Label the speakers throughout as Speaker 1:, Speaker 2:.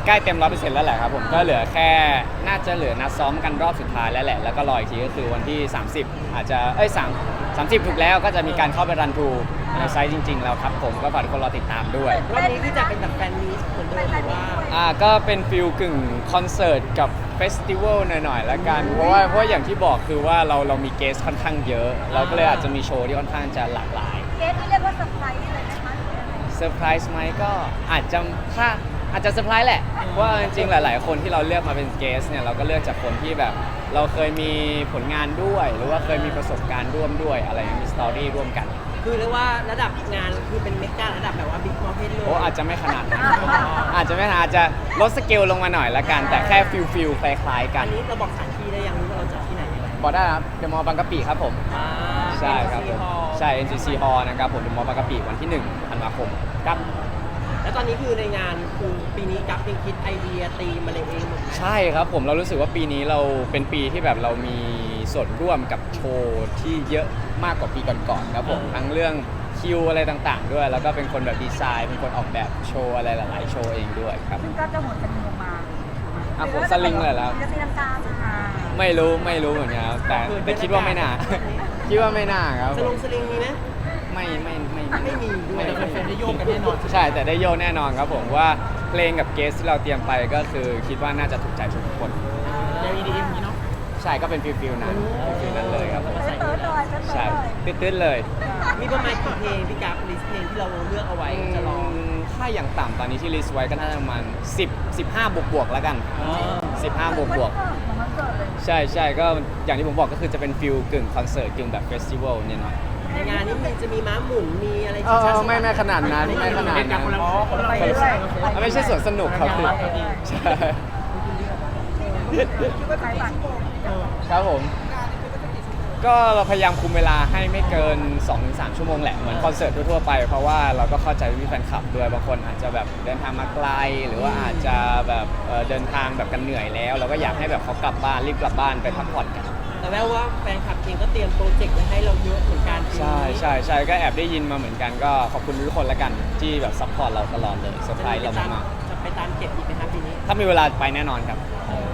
Speaker 1: ใกล้เต็ม 100% แล้วแหละครับผมก็เหลือแค่น่าจะเหลือนัดซ้อมกันรอบสุดท้ายแล้วแหละแล้วก็รออีกทีก็คือวันที่30อาจจะ30ถูกแล้วก็จะมีการเข้าไปรันทรูในไซต์จริงๆแล้วครับผมก็ฝากทุกคนรอติดตามด้วย
Speaker 2: รอบนี้ที่จะเป็นแบบแฟนมีตเหมือนเดิมหรือว่า
Speaker 1: ก็เป็นฟิลกึ่งคอนเสิร์ตกับเฟสติวัลหน่อยๆละกันเพราะว่าอย่างที่บอกคือว่าเรามีเกสค่อนข้างเยอะเราก็เลยอาจจะมีโชว์ที่ค่อนข้างจะหลากหลาย
Speaker 3: เกสที่เรียกว่าเซอร์ไพรส์เลยนะคะ
Speaker 1: เซอร์ไพรส์ไหมก็อาจจะอาจจะเซอร์ไพรส์แหละเพราะว่าจริงๆหลายๆคนที่เราเลือกมาเป็นเกสเนี่ยเราก็เลือกจากคนที่แบบเราเคยมีผลงานด้วย หรือว่าเคยมีประสบการณ์ร่วมด้วยอะไรอย่างมีสตอรี่ร่วมกัน
Speaker 2: คือเรียกว่าระดับงานคือเป็นเมการะดับแบบว่าบิ๊กมอลเทนเลย
Speaker 1: โอ้อาจจะไม่ขนาดนั้นอาจจะไม่ขนาดอาจจะลดสเกลลงมาหน่อยละกันแต่แค่ฟิลคล้ายๆกั
Speaker 2: อั
Speaker 1: น
Speaker 2: นนี้เราบอกสถานที่ได้ยังรู้ว่าเราจะที่ไหนยังไง
Speaker 1: บอกได้ครับเดอะมอลล์บางกะปิครับผมใช่ครับผมใช่ NCC Hall นะครับผมเดอะมอลล์บางกะปิวันที่1ธันวาคมครับ
Speaker 2: แล้วตอนนี้คือในงานคือปีนี้กัฟเป็นคิดไอเดียตีมอะไรเองหมด
Speaker 1: ใช่ครับผมเรารู้สึกว่าปีนี้เราเป็นปีที่แบบเรามีส่วนร่วมกับโชว์ที่เยอะมากกว่าปีก่อนๆครับผมทั้งเรื่องคิวอะไรต่างๆด้วยแล้วก็เป็นคนแบบดีไซน์เป็นคนออกแบบโชว์อะไรหลายๆโชว์เองด้วยครับ
Speaker 3: ซึ่งก็จะหมดสลิงลงมา
Speaker 1: ผมสลิงเลยแล้ว
Speaker 3: จะตีลังกา
Speaker 1: ไม่รู้เหมือนกันครับแต่คิดว่าไม่น่าคิดว่าไม่น่าครับ
Speaker 2: สลิงมีไหม
Speaker 1: ไม่มี
Speaker 2: ด้วยแต่แฟนได้โยกกันแน่นอน
Speaker 1: ใช่แต่ได้โยกแน่นอนครับผมว่าเพลงกับเกสที่เราเตรียมไปก็คือคิดว่าน่าจะถูกใจทุกคน
Speaker 2: ยังมีดีเอ็มนี้เนาะ
Speaker 1: ใช่ก็เป็นฟิลนั้นเลยครับใช่ตื้นเลย
Speaker 2: มีประมาณกี่เพลงพี่กัฟลิสต์เพลงที่เราเลือกเอาไว้จะลอง
Speaker 1: ถ้าอย่างต่ำตอนนี้ที่ลิสต์ไว้ก็น่าจะประมาณ15บวกแล้วกัน15บวกใช่ก็อย่างที่ผมบอกก็คือจะเป็นฟิลกึ่งคอนเสิร์ตกึ่งแบบเฟสติวัลเนี่ยเนาะ
Speaker 2: ในงานนี้จะมีม้าหมุนมีอะไร
Speaker 1: ไม่ขนาดนั้นไม่ใช่สวนสนุกครับใช่ครับผมก็เราพยายามคุมเวลาให้ไม่เกิน 2-3 ชั่วโมงแหละเหมือนคอนเสิร์ตทั่วๆไปเพราะว่าเราก็เข้าใจพี่แฟนคลับด้วยบางคนอาจจะแบบเดินทางมาไกลหรือว่าอาจจะแบบเดินทางแบบกันเหนื่อยแล้วเราก็อยากให้แบบเขากลับบ้านรีบกลับบ้านไปพักผ่อนกัน
Speaker 2: แต่แม้ว่าแฟนคลับเองก็เตรียมโปรเจกต์ไว้ให้เราเยอะเหมือนกัน
Speaker 1: ใช่ก็แอบได้ยินมาเหมือนกันก็ขอบคุณทุกคนละกันที่แบบซัพพอร์ตเราตลอดเลยเซอร์ไพรส์เรามาก
Speaker 2: ๆจะไปตามเก็บอีกไหมครับปีนี้
Speaker 1: ถ้ามีเวลาไปแน่นอนครับ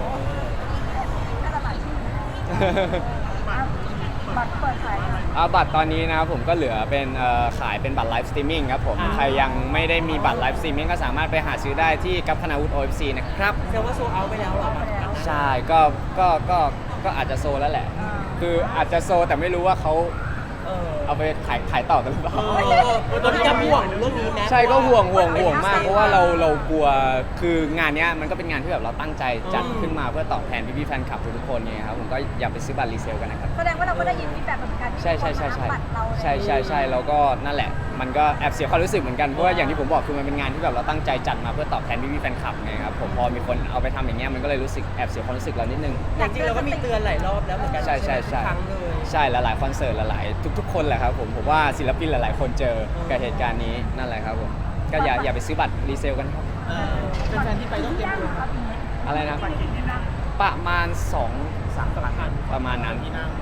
Speaker 3: บัตรเปิดขาย
Speaker 1: บัตรตอนนี้นะครับผมก็เหลือเป็นขายเป็นบัตรไลฟ์สตรีมมิ่งครับผมใครยังไม่ได้มีบัตรไลฟ์สตรีมมิ่งก็สามารถไปหาซื้อได้ที่กัปพนาวุฒิ OFC นะครับ
Speaker 2: แสดงว่าโซลเอาท์ไปแล้วหรอ
Speaker 1: ใช่ก็อาจจะโซแล้วแหละคืออาจจะโซแต่ไม่รู้ว่าเขาเอาไปขายต่อกันหรือเปล่า
Speaker 2: ตอนนี้จะห่วงเรื่องนี้ไหม
Speaker 1: ใช่ก็ห่วงมากเพราะว่าเรากลัวคืองานนี้มันก็เป็นงานที่แบบเราตั้งใจจัดขึ้นมาเพื่อตอบแทนพี่แฟนคลับทุกคนไงครับผมก็อย่าไปซื้อบัตรรีเซลกันนะครับ
Speaker 3: แสดงว่าเราก็ได้ยินฟีดแบ็กเหมือนกัน
Speaker 1: ใช่แล้วก็นั่นแหละมันก็แอบเสียความรู้สึกเหมือนกันเพราะว่าอย่างที่ผมบอกคือมันเป็นงานที่แบบเราตั้งใจจัดมาเพื่อตอบแทนพี่แฟนคลับไงครับผมพอมีคนเอาไปทำอย่างเงี้ยมันก็เลยรู้สึกแอบเสียความรู้สึกเรานิดนึง
Speaker 2: จริงๆเราก็มีเตือนหลายรอบแล้วเหมือนกัน
Speaker 1: ใช่ใช่หลายๆคอนเสิร์ตหลายๆทุกคนแหละครับผมว่าศิลปินหลายๆคนเจอกับเหตุการณ์นี้นั่นแหละครับผมก็อย่าไปซื้อบัตรรีเซลกันครับ
Speaker 2: เป็นแฟนที่ไปต้องเตรียมตัว
Speaker 1: อะไรนะประมาณ 2-3 พันประมาณนั้น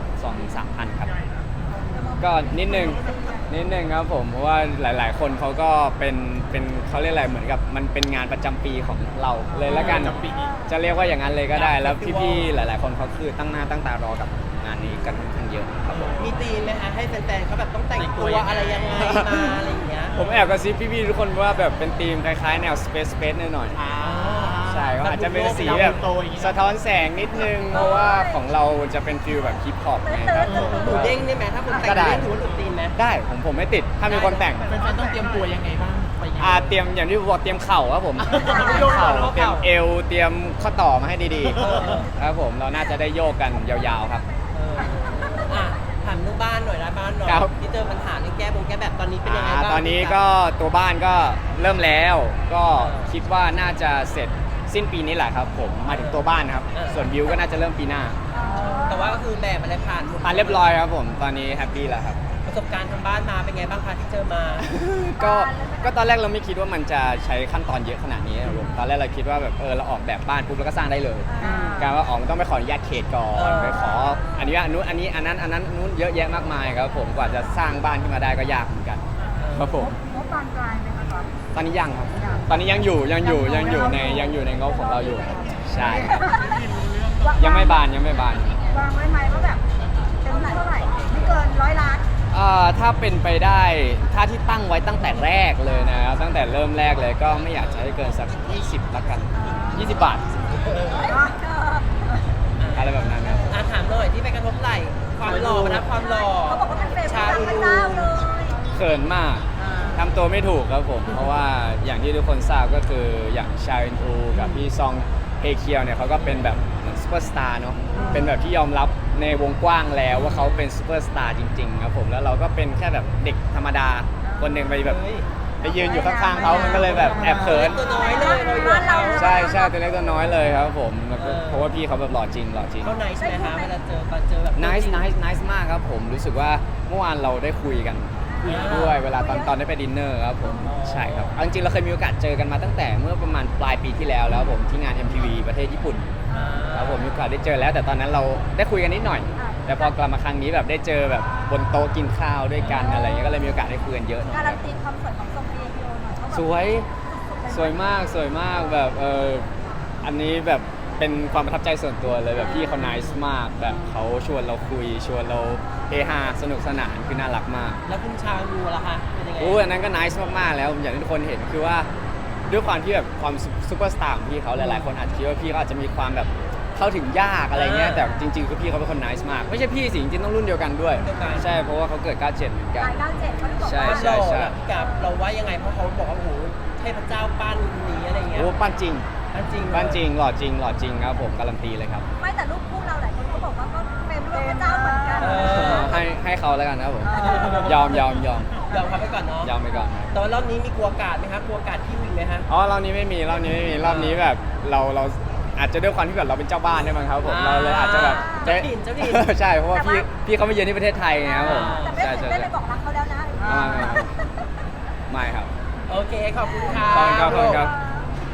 Speaker 1: 2-3 พันครับก็นิดนึงครับผมเพราะว่าหลายๆคนเขาก็เป็นเขาเรียกอะไรเหมือนกับมันเป็นงานประจำปีของเราเลยแล้วกันจะเรียกว่าอย่างนั้นเลยก็ได้แล้วพี่ๆหลายๆคนเขาคือตั้งหน้าตั้งตารอกับงานนี้กันค่อนข้างเยอะครับผม
Speaker 2: มีธีมไหมคะให้แฟนๆเขาแบบต้องแต่งตัวอะไรยังไงมาอะไรอย่างเงี้ย
Speaker 1: ผมแอบกระซิบพี่ๆทุกคนว่าแบบเป็นธีมคล้ายๆแนว Space หน่อยใช่ก็อาจจะเป็นสีแบบสะท้อนแสงนิดนึงเพราะว่าของเราจะเป็นฟิลแบบฮิปฮอปไงครับ
Speaker 2: หนูเด้งได้ไหมถ้าคนแต่งเด้งถือว่าหลุดธีมไหม
Speaker 1: ได้ผมไม่ติดถ้ามีคนแต่ง
Speaker 2: แฟนๆต้องเตรียมตัวยังไงบ้าง
Speaker 1: เตรียมอย่างที่บอกเตรียมเข่าครับผมเตรียมเอวเตรียมข้อต่อมาให้ดีๆครับผมเราน่าจะได้โยกกันยาวๆครับ
Speaker 2: ถามเรื่องบ้านหน่อยนะบ้านหน่อยที่เจอปัญหาเรื่องแก้แบบตอนนี้เป็นยังไงบ้าง
Speaker 1: ตอนนี้ก็ตัวบ้านก็เริ่มแล้วก็คิดว่าน่าจะเสร็จสิ้นปีนี้แหละครับผมมาถึงตัวบ้านครับส่วนบิวก็น่าจะเริ่มปีหน้า
Speaker 2: แต่ว่าก็คือแบบอะไรผ่าน
Speaker 1: เรียบร้อยครับผมตอนนี้แฮปปี้แล้วครับ
Speaker 2: ประสบการณ์ทางบ้านมาเป็นไงบ้างคะที่เจอมา
Speaker 1: ก็ตอนแรกเราไม่คิดว่ามันจะใช้ขั้นตอนเยอะขนาดนี้ครับผมตอนแรกเราคิดว่าแบบเราออกแบบบ้านปุ๊บแล้วก็สร้างได้เลยการว่าต้องไปขออนุญาตเขตก่อนไปขออนุญาตนู้นอันนี้อันนั้นนู้นเยอะแยะมากมายครับผมกว่าจะสร้างบ้านขึ้นมาได้ก็ยากเหมือนกันครับผม
Speaker 3: งบบานปลายไหมคะ
Speaker 1: ตอนนี้ยังครับ ตอนนี้ยังอยู่ในงบของเราอยู่ ใช่ครับยังไม่บาน
Speaker 3: วางไว้ไหมว่าแบบเต็มเท่าไหร่ไม่เกิน100 ล้าน
Speaker 1: ถ้าเป็นไปได้ถ้าที่ตั้งไว้ตั้งแต่แรกเลยนะครับตั้งแต่เริ่มแรกเลยก็ไม่อยากจะให้เกินสัก20ละกัน20 บาทอะไรแบบนั้นครับ
Speaker 2: ถามหน่อยที่ไปกระทบไหล่ความหล่อนะความหล่อ
Speaker 3: เขาบอกว่าเป็นเฟรม
Speaker 2: ชา
Speaker 3: พ
Speaker 2: อู
Speaker 3: ระ
Speaker 2: รู
Speaker 3: เจ้าเลย
Speaker 1: เขินมากทำตัวไม่ถูกครับผม เพราะว่าอย่างที่ทุกคนทราบก็คืออย่างชาอินอูกับพี่ซองเฮเคียวเนี่ยเขาก็เป็นแบบเหมือนซูเปอร์สตาร์เนาะเป็นแบบที่ยอมรับในวงกว้างแล้วว่าเขาเป็นซูเปอร์สตาร์จริงๆครับผมแล้วเราก็เป็นแค่แบบเด็กธรรมดาคนหนึ่งไปแบบ
Speaker 2: เฮ้ย
Speaker 1: ไปยืนอยู่ข้างๆเขามันก็เลยแบบแอบเขิน
Speaker 2: ตัวน้อยเลยเราอยู่กับเขา
Speaker 1: ใช่ตัวเล็กตัวน้อยเลยครับผมแล้วก็เพราะว่าพี่เขาแบบหล่อจริง
Speaker 2: เขาไนส์ไหมคะเวลาเจอตอนเจอแบบ
Speaker 1: nice มากครับผมรู้สึกว่าเมื่อวานเราได้คุยกันด้วยเวลาตอนได้ไปดินเนอร์ครับผมใช่ครับเอาจริงๆเราเคยมีโอกาสเจอกันมาตั้งแต่เมื่อประมาณปลายปีที่แล้วผมที่งาน MTV ประเทศญี่ปุ่นครับผมมีโอกาสได้เจอแล้วแต่ตอนนั้นเราได้คุยกันนิดหน่อย แต่พอกลับมาครั้งนี้แบบได้เจอแบบบนโต๊ะกินข้าวด้วยกันอะไรเงี้ยก็เลยมีโอกาสได้คุยกันเยอะหน่อย
Speaker 3: การันตีความสวยของทรงเอโยหน่อยเขาบอก
Speaker 1: สวยมากแบบอันนี้แบบเป็นความประทับใจส่วนตัวเลยแบบพี่เขา nice มากแบบเขาชวนเราคุยชวนเราเฮฮาสนุกสนานคือน่ารักมาก
Speaker 2: แล้วคุณชาอูล่ะคะเป็นยังไง
Speaker 1: อันนั้นก็ nice มากๆแล้วอย่างที่ทุกคนเห็นคือว่าด้วยความที่แบบความซูเปอร์สตาร์ของพี่เขาหลายๆคนอาจจะคิดว่าพี่เขาอาจจะมีความแบบเข้าถึงยากอะไรเงี้ยแต่จริงๆคือพี่เขาเป็นคน nice มากไม่ใช่พี่สิจริงๆต้องรุ่นเดียวกันด้วยใช่เพราะว่าเขาเกิด97เหมือนกัน
Speaker 3: ราย97เขาบอก
Speaker 1: ใช่
Speaker 3: ว่า
Speaker 2: ความหล่อพี่กับเราว่ายังไงเพราะเขาบอกว่าโอ้โหเทพเจ้าปั้นนี้อะไรเงี้ย
Speaker 1: โอ้ปั้นจริง
Speaker 2: ปั้นจริง
Speaker 1: ปั้นจริงหล่อจริงครับผมการันตีเลยครับ
Speaker 3: ไม่แต่รูปคู่เราหลายคนก็บอกว่าก็เป็นรูปพระเจ้าเหมือนกัน
Speaker 1: ให้เขาแล้วกันนะครับผมยอม
Speaker 2: ยอมเขาไปก่อนเนาะ
Speaker 1: ยอมไปก่อนครับ
Speaker 2: แต่ว่ารอบนี้มีกลัวกาดไหมคะกลัวกาดที่วิ่งไหมคะ
Speaker 1: อ๋อรอบนี้ไม่มีรอบนี้แบบเราอาจจะด้วยความที่แบบเราเป็นเจ้าบ้านด้วยมั้งครับผมเราเลยอาจจะแบบ
Speaker 2: เจ้าถิ่นเจ้าถิ่น
Speaker 1: ใช่เพราะว่าพี่เขามาเยือนที่ประเทศไทยไงครับผม
Speaker 3: แต่ไม่ได้ไปบอกรักเขาแล้วนะ
Speaker 1: ไม่ครับ
Speaker 2: โอเคขอบคุณค่ะ
Speaker 1: ขอบคุณครับ